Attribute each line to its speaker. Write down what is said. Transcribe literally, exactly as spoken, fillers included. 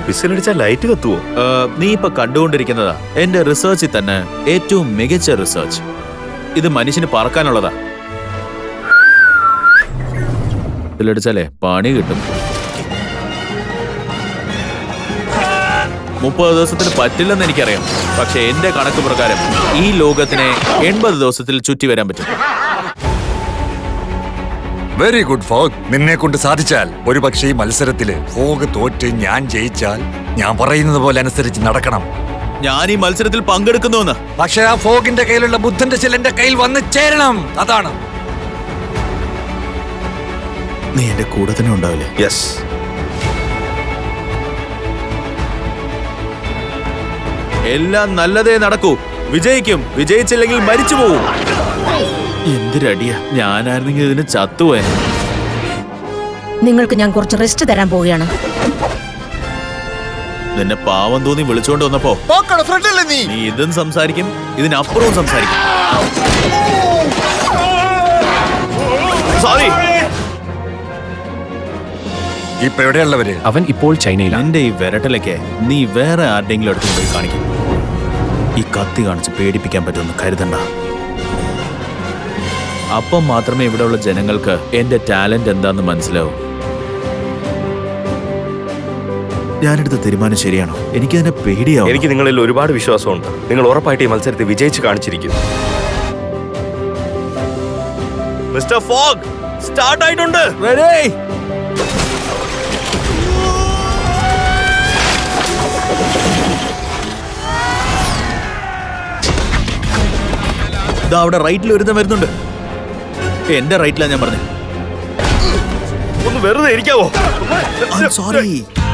Speaker 1: വിസിലടിച്ചാൽ light കത്തുവോ?
Speaker 2: നീ ഇപ്പൊ കണ്ടുകൊണ്ടിരിക്കുന്നതാ എന്റെ റിസർച്ചിൽ തന്നെ ഏറ്റവും മികച്ച റിസർച്ച്. ഇത് മനുഷ്യന് പറക്കാനുള്ളതാ. വിസിലടിച്ചാലേ പണി കിട്ടും. മുപ്പത് ദിവസത്തിന് പറ്റില്ലെന്ന് എനിക്കറിയാം. പക്ഷെ എന്റെ കണക്ക് പ്രകാരം ഈ ലോകത്തിനെ എൺപത് ദിവസത്തിൽ ചുറ്റി വരാൻ പറ്റും.
Speaker 3: Very good Fogg. നിന്നെ കൊണ്ട് സാധിച്ചാൽ ഒരു പക്ഷേ ഈ മത്സരത്തില് ഫോഗ് തോറ്റ് ഞാൻ ജയിച്ചാൽ ഞാൻ പറയുന്നത് പോലെ അനുസരിച്ച് നടക്കണം.
Speaker 2: ഞാൻ ഈ മത്സരത്തിൽ പങ്കെടുക്കുന്നുവെന്ന്.
Speaker 3: പക്ഷെ ആ ഫോഗിന്റെ കയ്യിലുള്ള ബുദ്ധന്റെ ചില എന്റെ കയ്യിൽ വന്ന് ചേരണം. അതാണ്.
Speaker 2: നീ എന്റെ കൂടെ തന്നെ ഉണ്ടാവില്ലേ?
Speaker 1: യെസ്.
Speaker 2: എല്ലാം നല്ലതേ നടക്കൂ. വിജയിക്കും. വിജയിച്ചില്ലെങ്കിൽ മരിച്ചു പോവും. എന്തൊരടിയാ. ഞാനായിരുന്നെങ്കിൽ ഇതിന് ചത്തുപോയ.
Speaker 4: നിങ്ങൾക്ക് ഞാൻ കുറച്ച് റെസ്റ്റ് തരാൻ പോവുകയാണ്.
Speaker 2: നിന്നെ പാവം തോന്നി വിളിച്ചോണ്ട് വന്നപ്പോ നീ ഇതും സംസാരിക്കും, ഇതിനപ്പുറവും സംസാരിക്കും. സോറി.
Speaker 3: ഇപ്പൊ എവിടെയുള്ളവര്?
Speaker 5: അവൻ ഇപ്പോൾ ചൈനയിലാണ്.
Speaker 2: എന്റെ ഈ വിരട്ടലൊക്കെ നീ വേറെ ആരുടെങ്കിലും അടുത്ത് പോയി കാണിക്കും. ഈ കത്തി കാണിച്ച് പേടിപ്പിക്കാൻ പറ്റുമെന്ന് കരുതണ്ട. അപ്പം മാത്രമേ ഇവിടെയുള്ള ജനങ്ങൾക്ക് എന്റെ ടാലന്റ് എന്താന്ന് മനസ്സിലാവും. ഞാനെടുത്ത തീരുമാനം ശരിയാണോ? എനിക്കതിനെ പേടിയാവും.
Speaker 1: എനിക്ക് നിങ്ങളിൽ ഒരുപാട് വിശ്വാസമുണ്ട്. നിങ്ങൾ ഉറപ്പായിട്ട് ഈ മത്സരത്തിൽ വിജയിച്ച് കാണിച്ചിരിക്കുന്നു. മിസ്റ്റർ ഫോഗ് സ്റ്റാർട്ട് ആയിട്ടുണ്ട്.
Speaker 2: റെഡി. അവിടെ റൈറ്റിൽ ഒരുത്തം വരുന്നുണ്ട്. എന്റെ റൈറ്റിലാ ഞാൻ പറഞ്ഞത്.
Speaker 1: ഒന്ന് വെറുതെ ഇരിക്കാവോ?
Speaker 2: സോറി.